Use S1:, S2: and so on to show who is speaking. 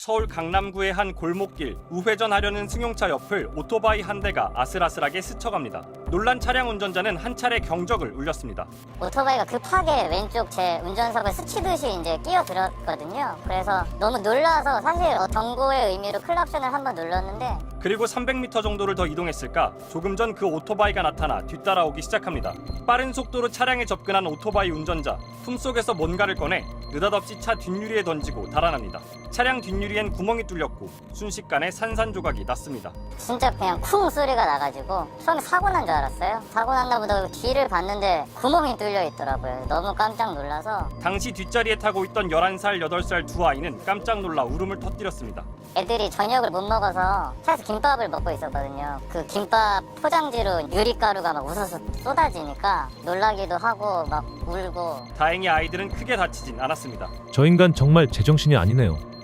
S1: 서울 강남구의 한 골목길, 우회전하려는 승용차 옆을 오토바이 한 대가 아슬아슬하게 스쳐갑니다. 놀란 차량 운전자는 한 차례 경적을 울렸습니다.
S2: 오토바이가 급하게 왼쪽 제 운전석을 스치듯이 이제 끼어들었거든요. 그래서 너무 놀라서 사실 경고의 의미로 클락션을 한번 눌렀는데,
S1: 그리고 300m 정도를 더 이동했을까 조금 전 그 오토바이가 나타나 뒤따라오기 시작합니다. 빠른 속도로 차량에 접근한 오토바이 운전자, 품속에서 뭔가를 꺼내 느닷없이 차 뒷유리에 던지고 달아납니다. 차량 뒷유리엔 구멍이 뚫렸고 순식간에 산산조각이 났습니다.
S2: 진짜 그냥 쿵 소리가 나가지고 처음에 사고 난 줄 알았어요. 사고 났나 보다 뒤를 봤는데 구멍이 뚫려 있더라고요. 너무 깜짝 놀라서.
S1: 당시 뒷자리에 타고 있던 11살, 8살 두 아이는 깜짝 놀라 울음을 터뜨렸습니다.
S2: 애들이 저녁을 못 먹어서 차에서 김밥을 먹고 있었거든요. 그 김밥 포장지로 유리가루가 막 우수수 쏟아지니까 놀라기도 하고 막 울고.
S1: 다행히 아이들은 크게 다치진 않았습니다.
S3: 저 인간 정말 제정신이 아니네요.